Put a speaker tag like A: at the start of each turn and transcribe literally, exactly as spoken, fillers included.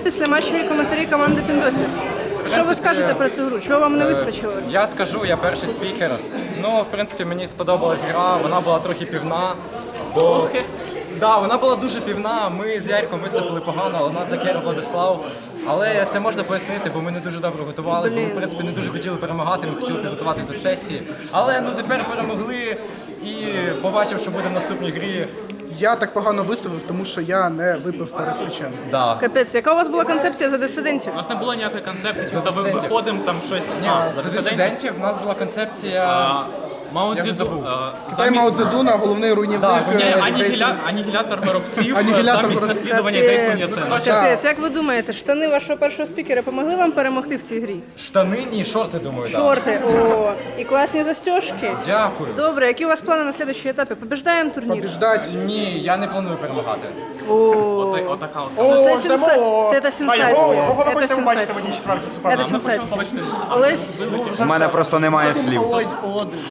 A: післяматчеві коментарі команди Піндосів. Що ви скажете про цю гру? Чого вам не вистачило?
B: Я скажу, я перший спікер. Ну, в принципі, мені сподобалась гра, вона була трохи півна. Бо... Да, вона була дуже півна, ми з Ярком виступили погано, але нас закерив Владислав. Але це можна пояснити, бо ми не дуже добре готувалися, бо ми, в принципі, не дуже хотіли перемагати, ми хотіли підготуватися до сесії. Але ну тепер перемогли і побачив, що буде в наступній грі.
C: Я так погано виступив, тому що я не випив перед спічем.
B: Да.
A: Капець, яка у вас була концепція за дисидентів?
D: У нас не було ніякої концепції, чисто ви- виходимо там щось.
B: Ні,
D: А,
B: за дисидентів в нас була концепція.
D: А, Мао
B: Я вже
D: Цзеду.
B: забув.
D: а,
C: Китай Мао Цзедуна, головний руйнівник.
B: Так,
D: Ні,
C: е,
D: анігіля... анігілятор виробців
C: Анігілятор
D: замість
C: виробців.
D: наслідування ідей Сун
A: Капець,
D: Яцена.
A: капець, як ви думаєте, штани вашого першого спікера помогли вам перемогти в цій грі?
B: Штани, ні, шорти, думаю, так.
A: Шорти, о, і класні застежки.
B: Дякую.
A: Добре, які у вас плани на слідчий етапі? Побіждаємо турнір?
C: Побіждать.
B: Ні, я не планую перемагати.
A: О,
D: Отака от.
A: ну це,
C: О,
A: сенса...
C: ждемо.
A: це та сенсація.
E: Кого ви
A: Це
E: хочете побачити в
A: сенсація.
E: одній четвертій
A: Це
E: суперному?
A: сенсація.
D: Побачите.
A: Олесь,
F: У мене просто немає слів.
C: Олодь, Олодь.